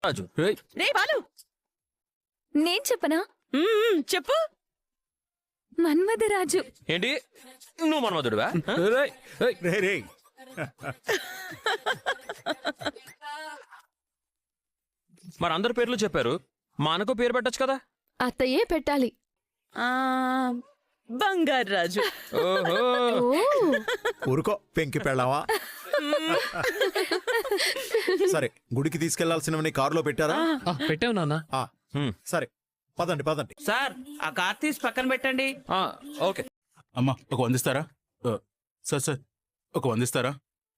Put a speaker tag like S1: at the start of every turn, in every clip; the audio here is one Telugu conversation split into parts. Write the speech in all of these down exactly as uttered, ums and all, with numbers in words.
S1: రాజు
S2: రే బాలు,
S3: నేను చెప్పనా?
S2: మ్మ్, చెప్పు.
S3: మన్మధరాజు.
S1: ఏంటి నువ్వు మన్మధుడివా?
S4: రే రే
S1: మరి అందరి పేర్లు చెప్పారు, మా అనకు పేరు పెట్టచ్చు కదా.
S3: అత్తయ్యే పెట్టాలి.
S2: ఆ బంగారు రాజు.
S1: ఓహో
S3: ఓ
S4: ఊరుకో పెంకి పెళ్ళావా. సరే గుడికి తీసుకెళ్లాల్సినవని కారులో పెట్టారా?
S5: పెట్టావు నాన్న.
S4: ఆ,
S1: హ్మ్.
S4: సరే పదండి పదండి.
S2: సార్ ఆ కార్ తీసి పక్కన పెట్టండి.
S1: ఆ, ఓకే.
S6: అమ్మా ఒక వందిస్తారా? ఆ, సార్ సార్ ఒక వందిస్తారా?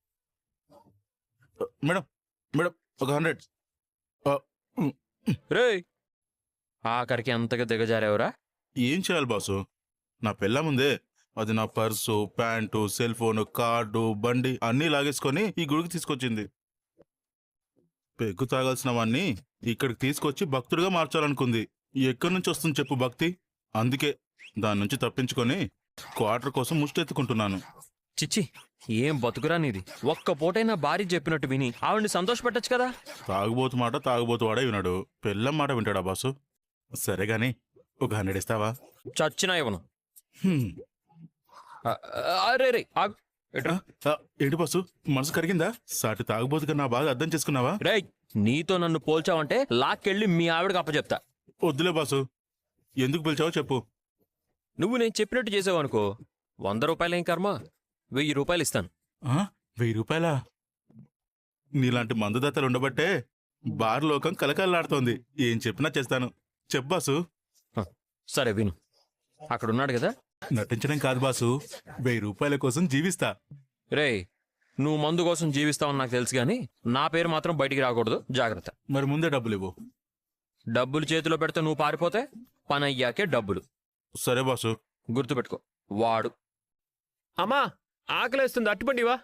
S6: ఆ, మేడం మేడం ఒక హండ్రెడ్. ఆ, ఉమ్,
S1: రే ఆఖరికి అంతగా దిగజారేవరా?
S6: ఏం చేయాలి బాసు? నా పెళ్ళ ముందే అది నా purse, pant, cell phone, card, బండి అన్నీ లాగేసుకొని ఈ గుడికి తీసుకొచ్చింది. పెగ్గు తాగాల్సినవన్నీ ఇక్కడికి తీసుకొచ్చి భక్తుడిగా మార్చాలనుకుంది. ఎక్కడి నుంచి వస్తుంది చెప్పు భక్తి? అందుకే దాని నుంచి తప్పించుకొని క్వార్టర్ కోసం ముష్టెత్తుకుంటున్నాను.
S1: చిచ్చి ఏం బతుకురా నీది. ఒక్క పూటైనా భార్య చెప్పినట్టు విని ఆవిడ్ని సంతోషపెట్టచ్చు కదా.
S6: తాగుబోతు మాట తాగుబోతు వాడే విన్నాడు, పెళ్ళం మాట వింటాడా బాసు? సరే గాని ఒక హండ్రెడ్ ఇస్తావా?
S1: చచ్చినా ఇవ్వను.
S6: హ్మ్.
S1: ఆ, అరే రే ఆగు. ఎట్రా?
S6: ఆ, ఏంటి బాసు మనసు కరిగిందా? సాటి తాగుబోతుగా నా బాధ అర్థం చేసుకున్నావా?
S1: రేయ్ నీతో నన్ను పోల్చావంటే లాక్కెళ్ళి మీ ఆవిడకి అప్పచెప్తా.
S6: వద్దులే బాసు, ఎందుకు పిలిచావో చెప్పు.
S1: నువ్వు నేను చెప్పినట్టు చేసావనుకో, వంద రూపాయలేం కర్మ, వెయ్యి రూపాయలు ఇస్తాను.
S6: ఆ, వెయ్యి రూపాయలా? నీలాంటి మందుదాతలు ఉండబట్టే బార్ లోకం కలకల్లాడుతోంది. ఏం చెప్పినా చేస్తాను. చెప్పు బాసు.
S1: హ, సరే విను. అక్కడున్నాడు కదా.
S6: నటించడం కాదు బాసు, వెయ్యి రూపాయల కోసం జీవిస్తా.
S1: రేయ్ నువ్వు మందు కోసం జీవిస్తావని నాకు తెలుసు గాని నా పేరు మాత్రం బయటికి రాకూడదు, జాగ్రత్త.
S6: మరి ముందే డబ్బులు ఇవ్వు.
S1: డబ్బులు చేతిలో పెడితే నువ్వు పారిపోతే పని అయ్యాకే డబ్బులు.
S6: సరే బాసు.
S1: గుర్తుపెట్టుకో. వాడు
S5: అమ్మా ఆకలేస్తుంది, అట్టుబండివా?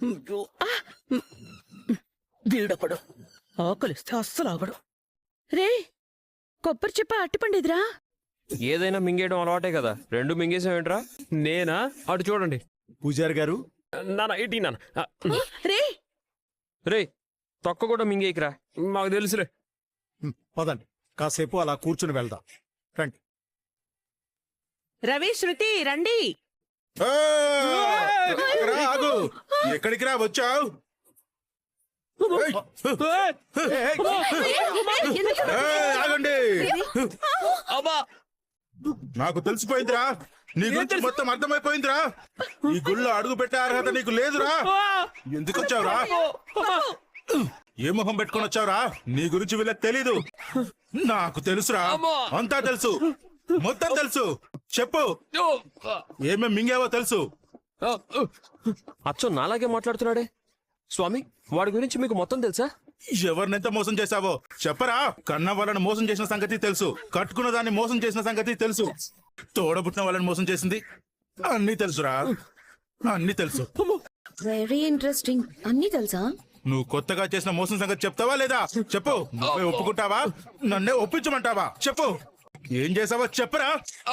S2: వీడొకడు ఆకలిస్తే అస్సలు ఆగడు. రే కొబ్బరి చెప్ప అట్టిపండిదిరా.
S1: ఏదైనా మింగేయడం అలవాటే కదా, రెండు మింగేసావేంట్రా?
S5: నేనా? అటు చూడండి
S4: పూజారి గారు
S5: నాన్న, ఇటీ నాన్న. ఆ,
S2: రే
S1: రేయ్ తొక్క కూడా మింగేయకురా.
S5: మాకు తెలుసులే.
S4: హ్మ్, పదండి కాసేపు అలా కూర్చుని వెళ్దాం. రండి.
S2: రవి, శృతి రండి.
S6: ఆ, రా, ఆగు. ఎక్కడికి రా వచ్చావు? ఆగండి.
S5: అబ్బా
S6: నాకు తెలిసిపోయిందిరా, నీ గురించి మొత్తం అర్థమైపోయిందిరా. ఈ గుళ్ళో అడుగు పెట్టే అర్హత నీకు లేదురా. ఎందుకు వచ్చావురా? ఏ మొహం పెట్టుకొని వచ్చావురా? నీ గురించి వీళ్ళకి తెలీదు, నాకు తెలుసురా. అంతా తెలుసు, మొత్తం తెలుసు. చెప్పు, ఏమేం మింగావో తెలుసు.
S1: అచ్చో నాలాగే మాట్లాడుతున్నాడే. స్వామి వాడి గురించి మీకు మొత్తం తెలుసా?
S6: ఎవరినెంత మోసం చేశావో చెప్పరా? కన్న వాళ్ళని మోసం చేసిన సంగతి తెలుసు, కట్టుకున్న దాన్ని మోసం చేసిన సంగతి తెలుసు, తోడబుట్టిన వాళ్ళని మోసం చేసింది అన్నీ తెలుసురా, అన్నీ తెలుసు.
S3: Very interesting. అన్నీ తెలుసా?
S6: నువ్వు కొత్తగా చేసిన మోసం సంగతి చెప్తావా లేదా? చెప్పు. నువ్వే ఒప్పుకుంటావా? నన్నే ఒప్పించమంటావా? చెప్పు. ఏం చేసావో చెప్పరా?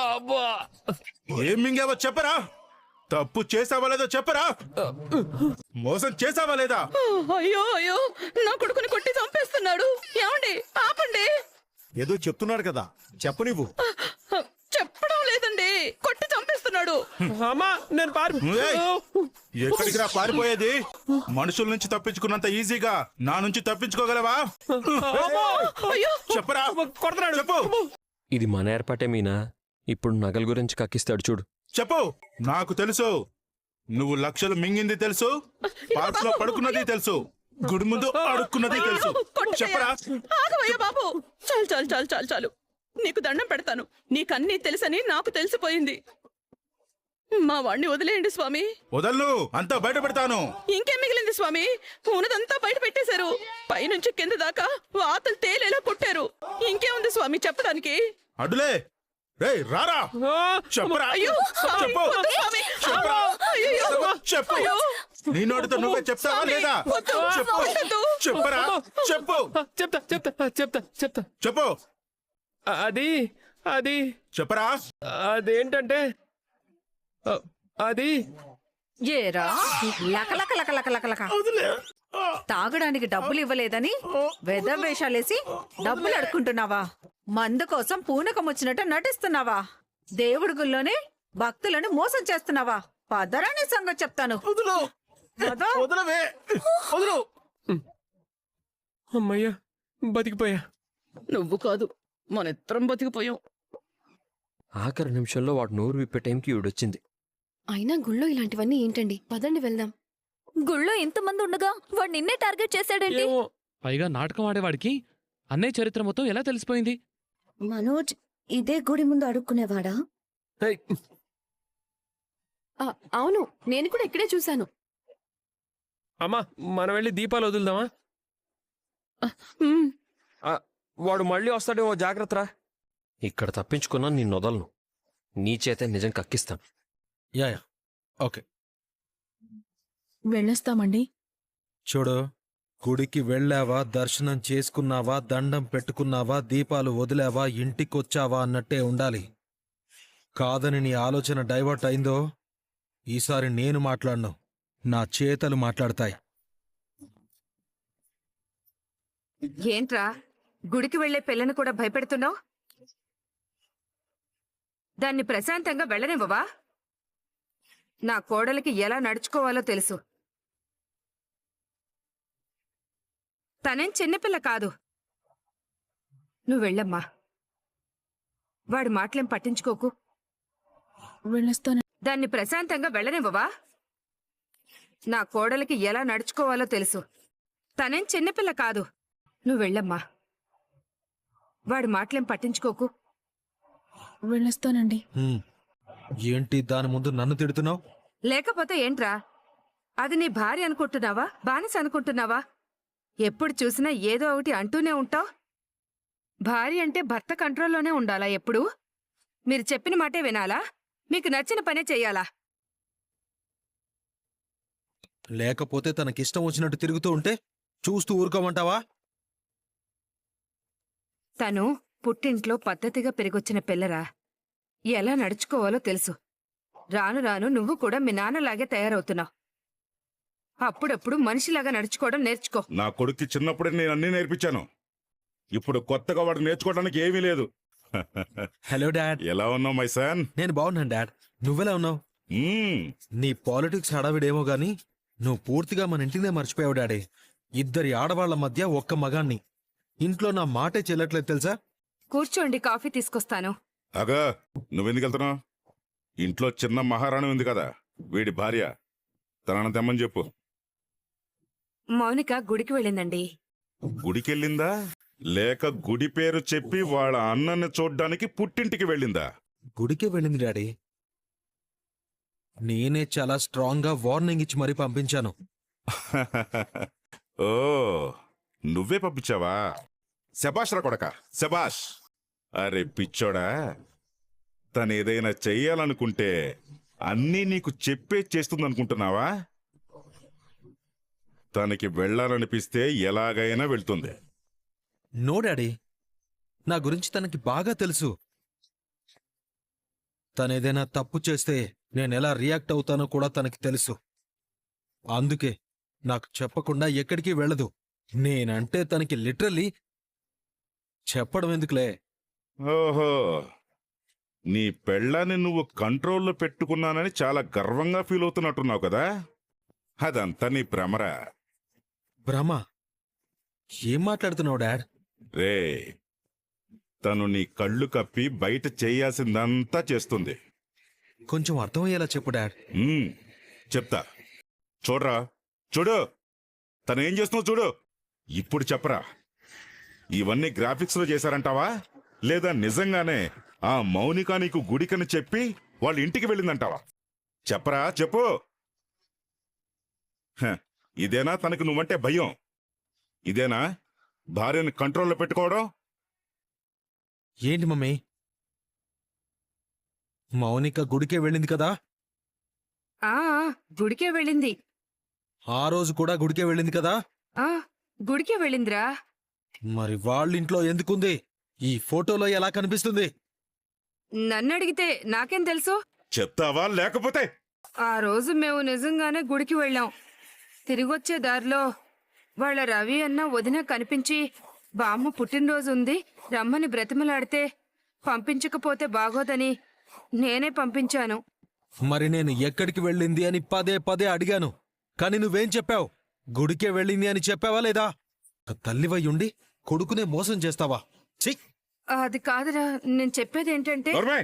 S6: ఏం మింగావో చెప్పరా? తప్పు చేసావా లేదో చెప్పరా? మోసం చేసావా లేదా?
S2: అయ్యో అయ్యో, నా కొడుకుని కొట్టి చంపేస్తున్నాడు. ఏమండి ఆపండి.
S4: ఏదో చెప్తున్నాడు కదా, చెప్పు నువ్వు.
S2: చెప్పడం లేదండి, కొట్టి చంపేస్తున్నాడు.
S5: అమ్మా నేను పారి.
S6: ఏయ్, ఎక్కడికి రా పారిపోయేది? మనుషుల నుంచి తప్పించుకున్నంత ఈజీగా నా నుంచి తప్పించుకోగలవా?
S2: అయ్యో
S6: చెప్పరా?
S5: కొడుతున్నాడు.
S6: చెప్పు.
S1: ఇది మన ఏర్పాటే మీనా. ఇప్పుడు నగల గురించి కక్కిస్తాడు చూడు.
S6: చెప్పు. నాకు తెలుసు, నువ్వు లక్షలు మింగింది తెలుసు, పార్క్ లో పడుకున్నది తెలుసు, గుడి ముందు అడుక్కున్నది తెలుసు. చెప్పరా?
S2: ఆగవయ్యా బాబు. చాలు చాలు చాలు చాలు చాలు, నీకు దండం పెడతాను. నీకన్నీ తెలుసని నాకు తెలిసిపోయింది. మా వాణ్ణి వదిలేయండి స్వామి.
S6: వదలను, అంతా బయట పెడతాను.
S2: ఇంకేం మిగిలింది స్వామి? ఉన్నదంతా బయట పెట్టేశారు. పైనుంచి కింద దాకా వాతలు తేలేలా కొట్టారు. ఇంకేముంది స్వామి చెప్పడానికి?
S6: అడ్డులే. రేయ్ రారా. చెప్పరా?
S2: అయ్యో
S6: చెప్పు.
S2: వద్దు స్వామి.
S6: చెప్పరా?
S2: అయ్యయ్యో.
S6: చెప్పు.
S2: అయ్యో.
S6: నీ నోటితో నువ్వే చెప్తావా లేదా?
S2: వద్దు.
S6: చెప్పు.
S2: వద్దు.
S6: చెప్పరా? చెప్పు.
S5: చెప్తా చెప్తా చెప్తా చెప్తా.
S6: చెప్పు.
S5: అది అది
S6: చెప్పరా?
S5: అదేంటంటే అది
S7: ఏరా లక లక లక లక లక లక. తాగడానికి డబ్బులు ఇవ్వలేదని వేషాలేసి డబ్బులు అడుక్కుంటున్నావా? మందు కోసం పూనకం వచ్చినట్టు నటిస్తున్నావా? దేవుడి గుళ్ళోనే భక్తులను మోసం చేస్తున్నావా? పదరాని సంగతి చెప్తాను.
S4: వదులు
S7: పద.
S4: వదలవే వదులు.
S5: అమ్మయ్యా బతికిపోయా.
S2: నువ్వు కాదు, మన ఇద్దరం బతికిపోయాం.
S1: ఆఖరి నిమిషంలో వాడు నోరు విప్పే టైంకి ఈవిడొచ్చింది.
S3: అయినా గుళ్ళో ఇలాంటివన్నీ ఏంటండి? పదండి వెళ్దాం. గుళ్ళో ఇంతమంది ఉండగా వాడు నిన్నే టార్గెట్ చేశాడండి.
S5: ఏమో
S8: పైగా నాటకం ఆడేవాడికి అన్నయ్య చరిత్ర మొత్తం ఎలా తెలిసిపోయింది?
S3: మనోజ్ ఇదే గుడి ముందు అడుక్కునేవాడా?
S5: హై,
S3: ఆ, అవును, నేను కూడా ఇక్కడే చూశాను.
S5: అమ్మా మనం వెళ్ళి దీపాలు వదులుదామా?
S2: ఉమ్,
S1: ఆ, వాడు మళ్ళీ వస్తాడేమో, జాగ్రత్తరా. ఇక్కడ తప్పించుకున్నా నిన్ను వదలను. నీ చేతే నిజం కక్కిస్తాను.
S4: Yeah yeah okay.
S2: వెళ్ళొస్తామండి.
S4: చూడు, గుడికి వెళ్ళావా, దర్శనం చేసుకున్నావా, దండం పెట్టుకున్నావా, దీపాలు వదిలావా, ఇంటికొచ్చావా అన్నట్టే ఉండాలి. కాదని నీ ఆలోచన డైవర్ట్ అయిందో ఈసారి నేను మాట్లాడను, నా చేతలు మాట్లాడతాయి.
S7: ఏంట్రా గుడికి వెళ్లే పిల్లని కూడా భయపెడుతున్నావు? దాన్ని ప్రశాంతంగా వెళ్ళనివ్వవా? నా కోడలికి ఎలా నడుచుకోవాలో తెలుసు. తనేం చిన్నపిల్ల కాదు. నువ్వు వెళ్ళమ్మా. వాడి మాటలేం పట్టించుకోకు.
S2: వెళ్ళొస్తాను.
S7: దాన్ని ప్రశాంతంగా వెళ్ళనివ్వవా? నా కోడలికి ఎలా నడుచుకోవాలో తెలుసు. తనేం చిన్నపిల్ల కాదు. నువ్వు వెళ్ళమ్మా. వాడి మాటలేం పట్టించుకోకు.
S2: వెళ్ళొస్తానండి.
S4: హ్మ్. ఏంటి దాని ముందు నన్ను తిడుతున్నావు?
S7: లేకపోతే ఏంట్రా? అది నీ భార్య అనుకుంటున్నావా, బానిస అనుకుంటున్నావా? ఎప్పుడు చూసినా ఏదో ఒకటి అంటూనే ఉంటావు. భార్య అంటే భర్త కంట్రోల్లోనే ఉండాలా ఎప్పుడు? మీరు చెప్పిన మాటే వినాలా? మీకు నచ్చిన పనే చెయ్యాలా?
S4: లేకపోతే తనకిష్టం వచ్చినట్టు తిరుగుతూ ఉంటే చూస్తూ ఊరుకోమంటావా?
S7: తను పుట్టింట్లో పద్ధతిగా పెరిగొచ్చిన పిల్లరా. ఎలా నడుచుకోవాలో తెలుసు. రాను రాను నువ్వు కూడా మీ నాన్నలాగే తయారవుతున్నావు. అప్పుడప్పుడు మనిషిలాగా నడుచుకోవడం నేర్చుకో.
S9: నా కొడుక్కి చిన్నప్పుడే నేను అన్నీ నేర్పించాను. ఇప్పుడు కొత్తగా వాడు నేర్చుకోవడానికి ఏమీ లేదు.
S4: Hello dad.
S9: ఎలా ఉన్నావు మై సన్?
S4: నేను బాగున్నాను డాడ్. నువ్వెలా ఉన్నావు?
S9: మ్మ్.
S4: నీ పాలిటిక్స్ హడావిడేమో గాని నువ్వు పూర్తిగా మన ఇంటినే మర్చిపోయావు డాడీ. ఇద్దరి ఆడవాళ్ల మధ్య ఒక్క మగాన్ని. ఇంట్లో నా మాటే చెల్లట్లేదు తెలుసా?
S7: కూర్చోండి, కాఫీ తీసుకొస్తాను.
S9: అగా నువ్వెందుకు వెళ్తున్నావు? ఇంట్లో చిన్న మహారాణి ఉంది కదా, వీడి భార్య. తనను తెమ్మని చెప్పు.
S7: మౌనిక గుడికి వెళ్ళిందండి.
S9: గుడికెళ్ళిందా లేక గుడి పేరు చెప్పి వాళ్ళ అన్నన్ని చూడ్డానికి పుట్టింటికి వెళ్ళిందా?
S4: గుడికే వెళ్ళింది డాడీ. నేనే చాలా స్ట్రాంగ్ గా వార్నింగ్ ఇచ్చి మరీ పంపించాను.
S9: ఓ నువ్వే పంపించావా? శబాష్ రా కొడక, శబాష్. అరే పిచ్చోడా, తనేదైనా చెయ్యాలనుకుంటే అన్నీ నీకు చెప్పే చేస్తుందనుకుంటున్నావా? తనకి వెళ్ళాలనిపిస్తే ఎలాగైనా వెళ్తుంది.
S4: నో డాడీ, నా గురించి తనకి బాగా తెలుసు. తనేదైనా తప్పు చేస్తే నేనెలా రియాక్ట్ అవుతానో కూడా తనకి తెలుసు. అందుకే నాకు చెప్పకుండా ఎక్కడికి వెళ్ళదు. నేనంటే తనకి లిటరల్లీ చెప్పడం ఎందుకులే.
S9: ఓహో, నీ పెళ్ళాన్ని నువ్వు కంట్రోల్లో పెట్టుకున్నానని చాలా గర్వంగా ఫీల్ అవుతున్నట్టున్నావు కదా? అదంతా నీ భ్రమరా?
S4: భ్రమ? ఏం మాట్లాడుతున్నావు డాడ్?
S9: రే, తను నీ కళ్ళు కప్పి బయట చేయాల్సిందంతా చేస్తుంది.
S4: కొంచెం అర్థమయ్యేలా చెప్పు డాడ్.
S9: ఉమ్, చెప్తా. చూడరా, చూడు, తనేం చేస్తున్నావు చూడు. ఇప్పుడు చెప్పరా, ఇవన్నీ గ్రాఫిక్స్ లో చేశారంటావా లేదా నిజంగానే ఆ మౌనిక నీకు గుడికని చెప్పి వాళ్ళ ఇంటికి వెళ్ళిందంటావా? చెప్పరా, చెప్పు. హ, ఇదేనా తనకు నువ్వంటే భయం? ఇదేనా భార్యని కంట్రోల్లో పెట్టుకోవడం?
S4: ఏంటి మమ్మీ, మౌనిక గుడికే వెళ్ళింది కదా?
S7: ఆ గుడికే వెళ్ళింది.
S4: ఆ రోజు కూడా గుడికే వెళ్ళింది కదా?
S7: ఆ గుడికే వెళ్ళిందిరా.
S4: మరి వాళ్ళింట్లో ఎందుకుంది? ఈ ఫోటోలో ఎలా కనిపిస్తుంది?
S7: నన్నడిగితే నాకేం తెలుసు?
S9: చెప్తావా లేకపోతే?
S7: ఆ రోజు మేము నిజంగానే గుడికి వెళ్ళాం. తిరిగొచ్చే దారిలో వాళ్ళ రవి అన్న వదిన కనిపించి బామ్మ పుట్టినరోజు ఉంది రమ్మని బ్రతిమలాడితే పంపించకపోతే బాగోదని నేనే పంపించాను.
S4: మరి నేను ఎక్కడికి వెళ్ళింది అని పదే పదే అడిగాను, కాని నువ్వేం చెప్పావు? గుడికే వెళ్ళింది అని చెప్పావా లేదా? ఒక తల్లివయ్యుండి కొడుకునే మోసం చేస్తావా? ఛీ!
S7: అది కాదురా, నేను చెప్పేది ఏంటంటే
S9: నోర్మే!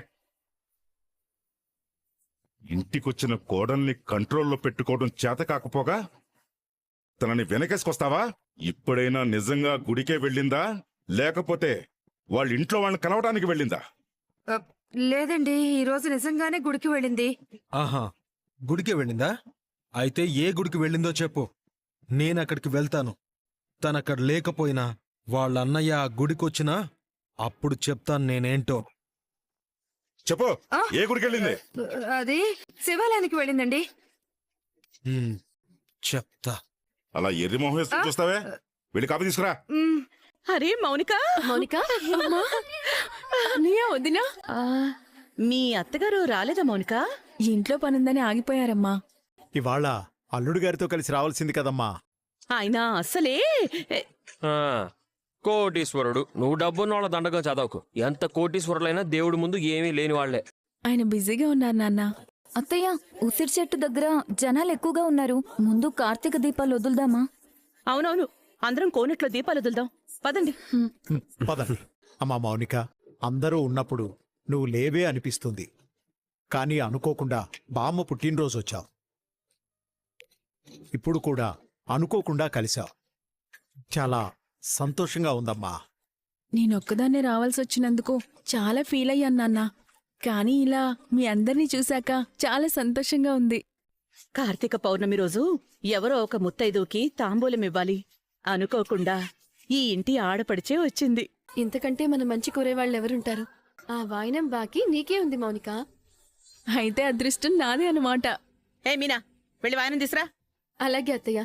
S9: ఇంటికొచ్చిన కోడల్ని కంట్రోల్లో పెట్టుకోవడం చేత కాకపోగా తనని వెనకేసుకొస్తావా? ఇప్పుడైనా నిజంగా గుడికే వెళ్ళిందా లేకపోతే వాళ్ళ ఇంట్లో వాళ్ళని కలవడానికి వెళ్ళిందా?
S7: ఆ, లేదండి, ఈ రోజు నిజంగానే గుడికి వెళ్ళింది.
S4: ఆహా, గుడికే వెళ్ళిందా? అయితే ఏ గుడికి వెళ్ళిందో చెప్పు, నేనక్కడికి వెళ్తాను. తనక్కడ లేకపోయినా వాళ్ళ అన్నయ్య ఆ గుడికొచ్చినా అప్పుడు చెప్తాను నేనేంటో.
S9: చెప్పు,
S7: ఆ?
S9: ఏ గుడికి వెళ్ళింది?
S7: అది శివాలయానికి వెళ్ళిందండి.
S4: హ్మ్, చెప్తా.
S9: అలా ఎర్రి మొహం వేసుకుని చూస్తావే, వెళ్ళి కాపీ తీసుకురా.
S7: మ్,
S2: అరే మౌనిక,
S3: మౌనిక
S2: నీయా వదినా? మీ అత్తగారు రాలేదా మౌనిక?
S10: ఇంట్లో పనుందని ఆగిపోయారమ్మా.
S11: ఇవాళ అల్లుడు గారితో కలిసి రావాల్సింది కదమ్మా.
S2: ఆయన అస్సలే
S1: ఆ, కోటీశ్వరుడు. నువ్వు డబ్బున్న వాళ్ళ దండగా చదవకు. ఎంత కోటీశ్వరులైనా దేవుడి ముందు ఏమీ లేని వాళ్లే.
S10: ఆయన బిజీగా ఉన్నారు నాన్న.
S3: అత్తయ్య, ఉసిరి చెట్టు దగ్గర జనాలు ఎక్కువగా ఉన్నారు. ముందు కార్తీక దీపాలు వదులుదామా?
S2: అవునవును, అందరం కోనెట్లో దీపాలు వదులుదాం పదండి.
S11: పద. అమ్మా మౌనిక, అందరూ ఉన్నప్పుడు నువ్వు లేవే అనిపిస్తుంది. కానీ అనుకోకుండా బామ్మ పుట్టినరోజు వచ్చావు. ఇప్పుడు కూడా అనుకోకుండా కలిశావు. చాలా సంతోషంగా ఉందమ్మా.
S10: నేనొక్కదాన్నే రావాల్సి వచ్చినందుకు చాలా ఫీల్ అయ్యాను నాన్న. కానీ ఇలా మీ అందరినీ చూశాక చాలా సంతోషంగా ఉంది.
S2: కార్తీక పౌర్ణమి రోజు ఎవరో ఒక ముత్తైదుకి తాంబూలం ఇవ్వాలి. అనుకోకుండా ఈ ఇంటి ఆడపడిచే వచ్చింది.
S3: ఇంతకంటే మన మంచి కూరేవాళ్ళు ఎవరుంటారు? ఆ వాయినం బాకీ నీకే ఉంది మౌనిక.
S10: అయితే అదృష్టం నాదే అన్నమాట.
S2: ఏ మీనా, వెళ్ళి వాయనం తీసురా.
S3: అలాగే అత్తయ్య.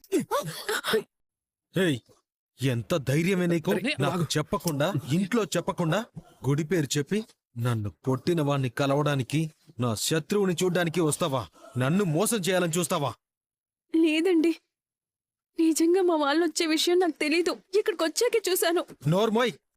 S4: ఏయ్, ఎంత ధైర్యమే నీకు? నాకు చెప్పకుండా, ఇంట్లో చెప్పకుండా గుడి పేరు చెప్పి నన్ను కొట్టిన వాణ్ణి కలవడానికి, నా శత్రువుని చూడ్డానికి వస్తావా? నన్ను మోసం చేయాలని చూస్తావా?
S10: లేదండి, నిజంగా మా వాళ్ళు వచ్చే విషయం నాకు తెలీదు. ఇక్కడికి వచ్చాకే చూశాను.
S4: నోర్మోయ్,